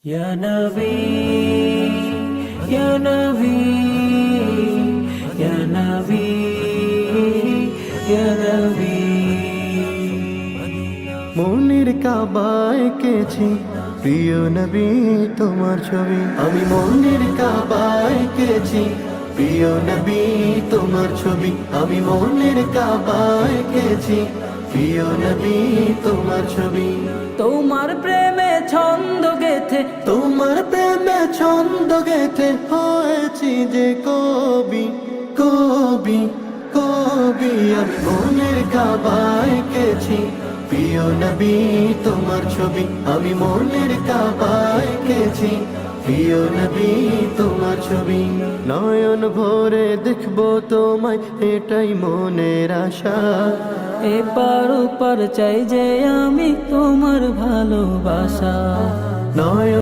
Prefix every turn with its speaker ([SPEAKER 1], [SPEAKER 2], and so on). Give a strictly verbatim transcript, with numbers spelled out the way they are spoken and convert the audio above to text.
[SPEAKER 1] Ya Nabi, Ya Nabi, Ya Nabi, Ya Nabi।
[SPEAKER 2] মনের কাবায় এঁকেছি প্রিয় নবী তোমার ছবি, আমি মনের কাবায় এঁকেছি প্রিয় নবী তোমার ছবি, আমি মনের কাবায় এঁকেছি প্রিয় নবী তোমার ছবি।
[SPEAKER 1] তোমার প্রেমে ছন্দ গেথে,
[SPEAKER 2] তোমার প্রেমে ছন্দ গেথে হয়েছি যে কবি কবি কবি, আমি মনের কাবায় এঁকেছি প্রিয় নবী তোমার ছবি, আমি মনের কাবায় এঁকেছি প্রিয় নবী তোমার ছবি। নয়ন ভরে দেখবো তোমায় এটাই মনের আশা,
[SPEAKER 1] এপার ওপার চাই যে আমি তোমার ভালোবাসা।
[SPEAKER 2] নয়ন